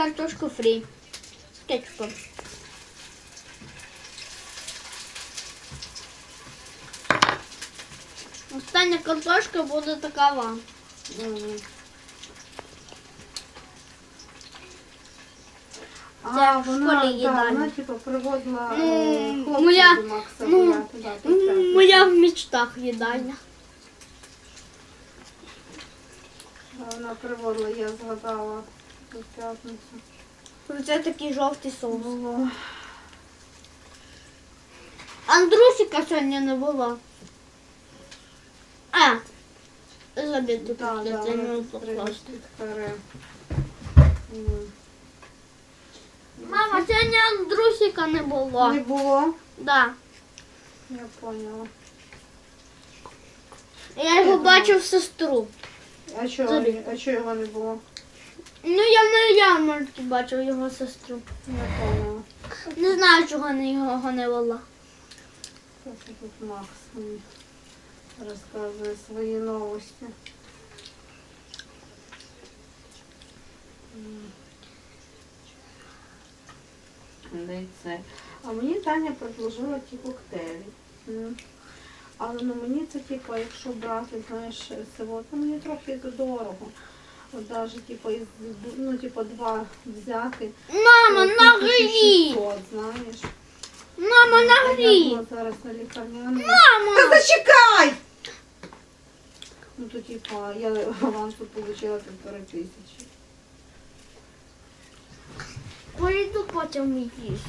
картошку фрі з кетчупом. Остання картошка буде такова. А, вона, їдальня. вона типу приводила моя- хлопців до Макса гуляти. Да, по п'ятницям. Моя в мечтах їдальня. Да, вона приводила, я згадала у п'ятницю. Це такий жовтий соус. Було. Андрусика сьогодні не було. Забіду Да, тут да, це не вона покласти. підкаре. Мама, сьогодні Андрусика не було. Не було? Да. Я поняла. Я його бачив сестру. А чого його не було? Ну, я на ярмарці бачив його сестру. Я поняла. Не знаю, чого його не було. Ось тут Макс мені розказує свої новості. Да й це. А мені Таня предложила ті коктейлі. Але ну мені це типу, якщо брати, знаєш, село, то мені трохи дорого. От навіть типу, ну, типу, два взяти. Мама, то нагрій! 1600, знаєш. Мама, Я нагрій! була зараз на лікарняному. Мама! Та зачекай! Ну то типа я авансу отримала 1500. Пойду потім їсти.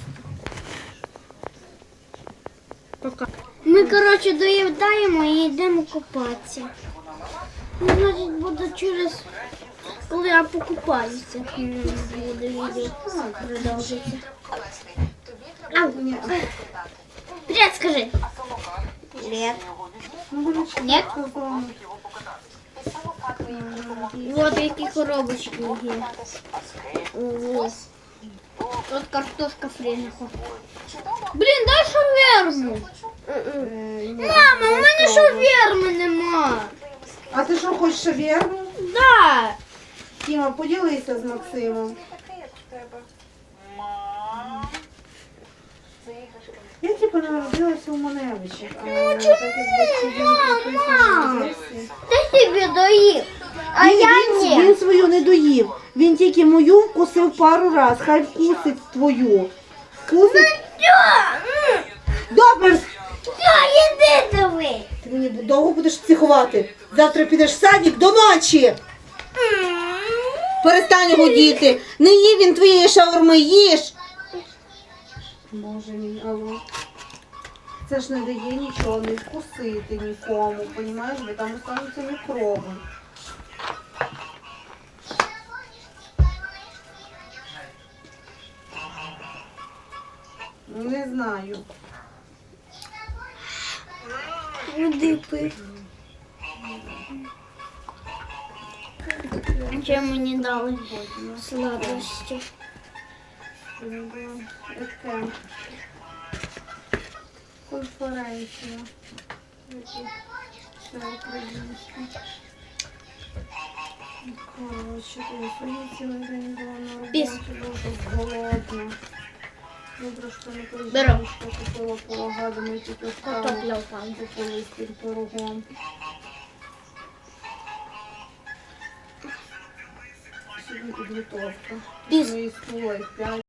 Пока. Ми, коротше, доїдаємо і йдемо купатися. Ну, значить, буде через... Коли я покупаюся, буде відео продовжиться. Ау! Ні. Привет, скажи. Привет. Ну вони ж Нет? сказали. Вот які коробочки є. Ого. Тут картошка фрі. Блін, дай шаверму. Мама, у мене шаверми нема. А ти що, хочеш шаверму? Да. Тіма, поділися з Максимом. Я типу народилася у Маневичі. Ну чому? Мама, ти собі доїв, а я ні. Він свою не доїв. Він тільки мою вкусив пару раз. Хай вкусить твою. Вкусить? Добре. Все, іди диви. Ти мені довго будеш психувати. Завтра підеш в садик до ночі. Перестань гудіти. Не їв він твоєї шаурми, їж. Боже мій, алло. Це ж не дає нічого, не вкусити нікому, понімаєш, бо там остануться мікроби. Не знаю. Води пив. Чим мені дали сладості? Таке. Конференція. Це українська. Коротше, я сьогодні цілий день була на роботі, дуже голодна. Добре, що не Беру. що купила порога, думаю, тільки встала, Картопля впала. купила з тим пирогом. Сьогодні підготовка. Піс. Мої стула і 5.